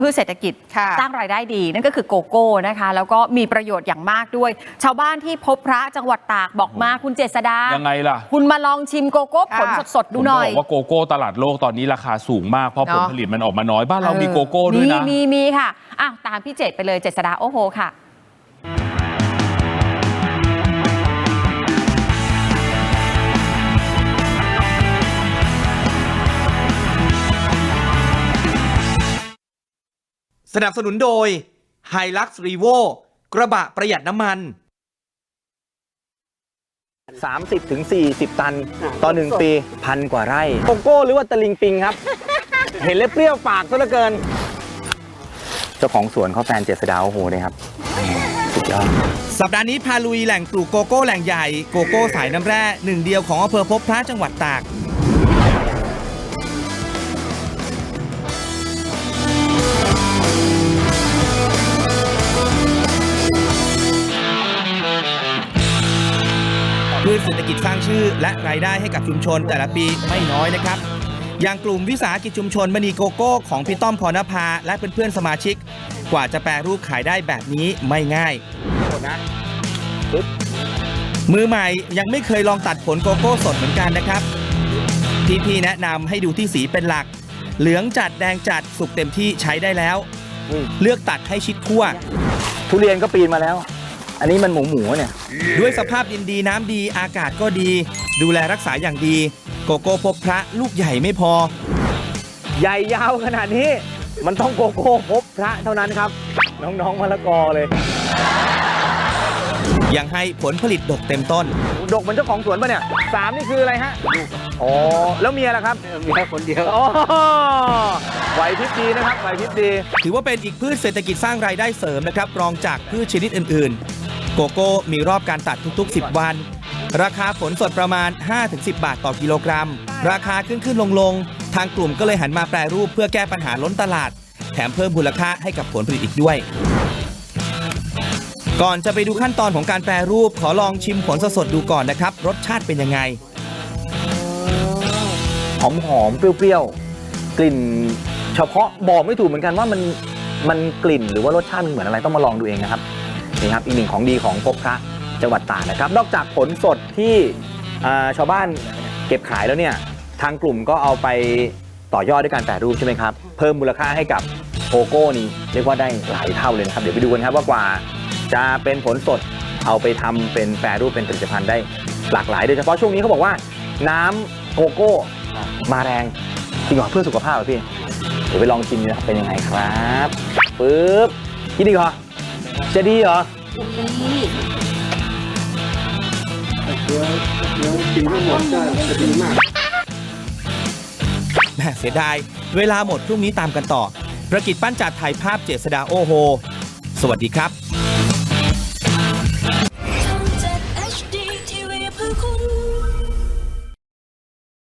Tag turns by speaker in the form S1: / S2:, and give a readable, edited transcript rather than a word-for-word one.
S1: พืชเศรษฐกิจสร้างรายได้ดีนั่นก็คือโกโก้นะคะแล้วก็มีประโยชน์อย่างมากด้วย ชาวบ้านที่พบพระจังหวัดตากบอกมาคุณเจษฎา
S2: ยังไงล่ะ
S1: คุณมาลองชิมโกโก้ผลสดๆดูหน่อย
S2: ผมบอกว่าโกโก้ตลาดโลกตอนนี้ราคาสูงมากเพราะผลผลิตมันออกมาน้อยบ้านเรามีโกโก้ด้วยนะ
S1: มีค่ะอ้าวตามพี่เจษไปเลยเจษฎาโอ้โหค่ะ
S3: สนับสนุนโดย Hilux Revo กระบะประหยัดน้ำมัน
S4: 30-40 ตันต่อ1 ปี1,000 กว่าไร่โกโก้หรือว่าตะลิงปิงครับ เห็นแล้วเปรี้ยวปากซะเหลือเกิน เจ้าของสวนเขาแฟนเจษฎาโอ้โหเลยครับสุดยอด
S3: สัปดาห์นี้พาลุยแหล่งปลูกโกโก้แหล่งใหญ่โกโก้สายน้ำแร่หนึ่งเดียวของอำเภอพบพระจังหวัดตากพืชเศรษฐกิจสร้างชื่อและรายได้ให้กับชุมชนแต่ละปีไม่น้อยนะครับอย่างกลุ่มวิสาหกิจชุมชนมณีโกโก้ของพี่ต้อมพรณภาและเพื่อนๆสมาชิกกว่าจะแปรรูปขายได้แบบนี้ไม่ง่ายมือใหม่ยังไม่เคยลองตัดผลโกโก้สดเหมือนกันนะครับพี่ๆแนะนำให้ดูที่สีเป็นหลักเหลืองจัดแดงจัดสุกเต็มที่ใช้ได้แล้วเลือกตัดให้ชิดขั้ว
S4: ทุเรียนก็ปีนมาแล้วอันนี้มันหมูเนี่ย
S3: ด้วยสภาพดินดีน้ำดีอากาศก็ดีดูแลรักษาอย่างดีโกโก้พบพระลูกใหญ่ไม่พอ
S4: ใหญ่ยาวขนาดนี้มันต้องโกโก้พบพระเท่านั้นครับน้องๆมะละกอเลย
S3: ยังให้ผลผลิตดกเต็มต้น
S4: ดกเหมือนเจ้าของสวนป่ะเนี่ย3นี่คืออะไรฮะอ๋อแล้วเมียล่ะครับเมียคนเดียวอ๋อไหวพริบดีนะครับไหวพริบดี
S3: ถือว่าเป็นอีกพืชเศรษฐกิจสร้างรายได้เสริมนะครับรองจากพืชชนิดอื่นๆโกโก้มีรอบการตัดทุกๆ10 วันราคาผลสดประมาณ 5-10 บาทต่อกิโลกรัมราคาขึ้นลงทางกลุ่มก็เลยหันมาแปรรูปเพื่อแก้ปัญหาล้นตลาดแถมเพิ่มมูลค่าให้กับผลผลิตอีกด้วยก่อนจะไปดูขั้นตอนของการแปรรูปขอลองชิมผลสดๆดูก่อนนะครับรสชาติเป็นยังไง
S4: หอมๆเปรี้ยวๆกลิ่นเฉพาะบอกไม่ถูกเหมือนกันว่ามันกลิ่นหรือว่ารสชาติมันเหมือนอะไรต้องมาลองดูเองนะครับนี่ครับอีกหนึ่งของดีของพบพระจังหวัดตากนะครับนอกจากผลสดที่ชาวบ้านเก็บขายแล้วเนี่ยทางกลุ่มก็เอาไปต่อยอดด้วยการแปรรูปใช่ไหมครับเพิ่มมูลค่าให้กับโกโก้นี้เรียกว่าได้หลายเท่าเลยนะครับเดี๋ยวไปดูกันครับว่ากว่าจะเป็นผลสดเอาไปทำเป็นแปรรูปเป็นผลิตภัณฑ์ได้หลากหลายโดยเฉพาะช่วงนี้เขาบอกว่าน้ำโกโก้มาแรงจริงเหรอเพื่อสุขภาพเหรอพี่เดี๋ยวไปลองชิมนะครับเป็นยังไงครับปึ๊บกินดีเหรอจะดีเหรอ
S2: กินไม่หมดจะดีมาก
S3: เสียดายเวลาหมดพรุ่งนี้ตามกันต่อประกิจปั้นจัดถ่ายภาพเจษฎาโอโฮสวัสดีครับ